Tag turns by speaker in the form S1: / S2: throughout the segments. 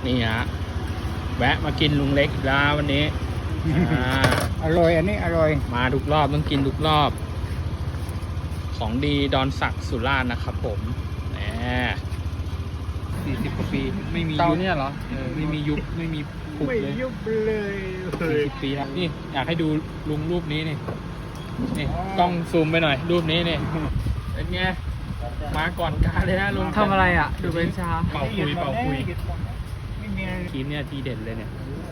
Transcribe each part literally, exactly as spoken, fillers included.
S1: นี่ฮะแวะมากินลุงเล็กอีกแล้ววันนี้อ่า
S2: อร่อยอันนี้อร่อย
S1: มาทุกรอบต้องกินทุกรอบ ของดีดอนศักดิ์สุราษฎร์นะครับผมแหมสี่สิบกว่าปีไม่มี
S2: เตา
S1: ยุบ
S2: เนี่ยเหรอ
S1: เออไม่มียุบไม่มีผุ
S2: ไม่
S1: เลย
S2: ยุบเลย
S1: สี่สิบปีแล้วนี่อยากให้ดูลุงรูปนี้นี่นี่กล้องซูมไปหน่อย รูปนี้นี่เป็นไงมาก่อนการเลยนะลุง
S3: ทำอะไรอ่ะ ดูเป็นชา
S1: เป่าคุยเป่าคุย
S2: ไม่มีอะไร
S1: ทีมเนี่ยทีเด็ดเลยเนี่ย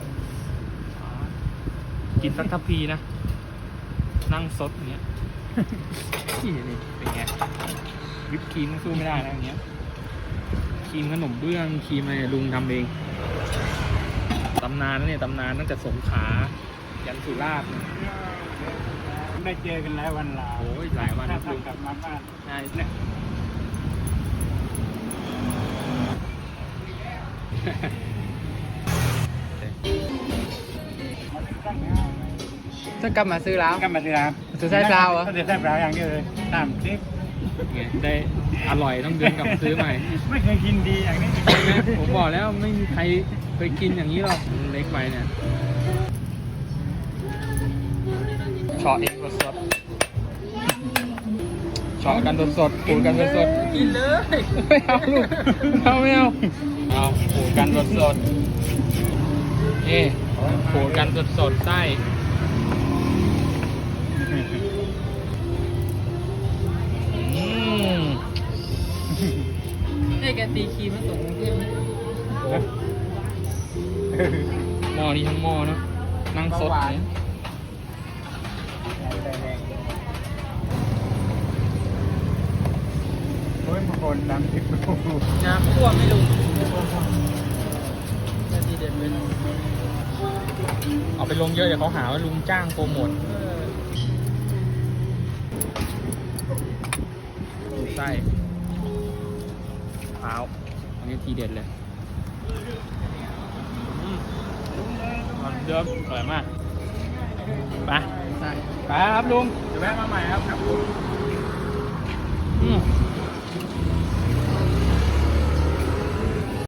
S1: กินสักทัพพีนะนั่งซดอย่างเงี้ยนี่นี่เป็นไงวิปครีมสู้ไม่ได้นะอย่างเงี้ยครีมขนมเบื้องครีมอะไรลุงทำเองตำนานนะเนี่ยตำนานตั้งแต่สงขลายันสุราษฎร์
S2: ได้เจอกันแล้ววันลา
S1: โอ้ยหลายวัน
S2: ถ้า
S1: นะลุง
S2: กลับมาบ้าน
S1: ใช่เนี่ย
S3: จะกลับมาซื้อแล้ว
S2: กลับมาที่ร้าน
S3: ซื้อไส้เปล่าเหรอ
S2: ซื้อไส้เปล่าอย่างเดียวเลยตามที่
S1: ไงได้อร่อยต้องเดินกลับมาซื้อใหม่
S2: ไม่เคยกินดีอย่างนี้
S1: ผมบอกแล้วไม่มีใครเคยกินอย่างนี้หรอกเล็กไปเนี่ยเฉาะเองสดๆเฉาะกันสดๆขูดกันสดๆกินเลยไม่เอาลูกไม่เอาไม่เอาเอาขูดกันสดๆนี่ขูดกันสดๆไส้อืม
S3: ให้แกตีคีมาส่งกรุงเทพไหม
S1: หม้อนี้ทั้งหม้อเนอะนั่งสดเนี่ย
S2: โอ้ยบางคนน้ำพริกดู
S3: น้ำท่วมไม่รู้นาทีเด็ดเลย
S1: เอาไปลงเยอะเดี๋ยวเขาหาว่าลุงจ้างโปรโมทดูไส้เท้าอันนี้ทีเด็ดเลยอืมมันเดิมอร่อยมากไปไปครับลุงเดี๋ยวแวะมาใหม่ครับครับลุงอืม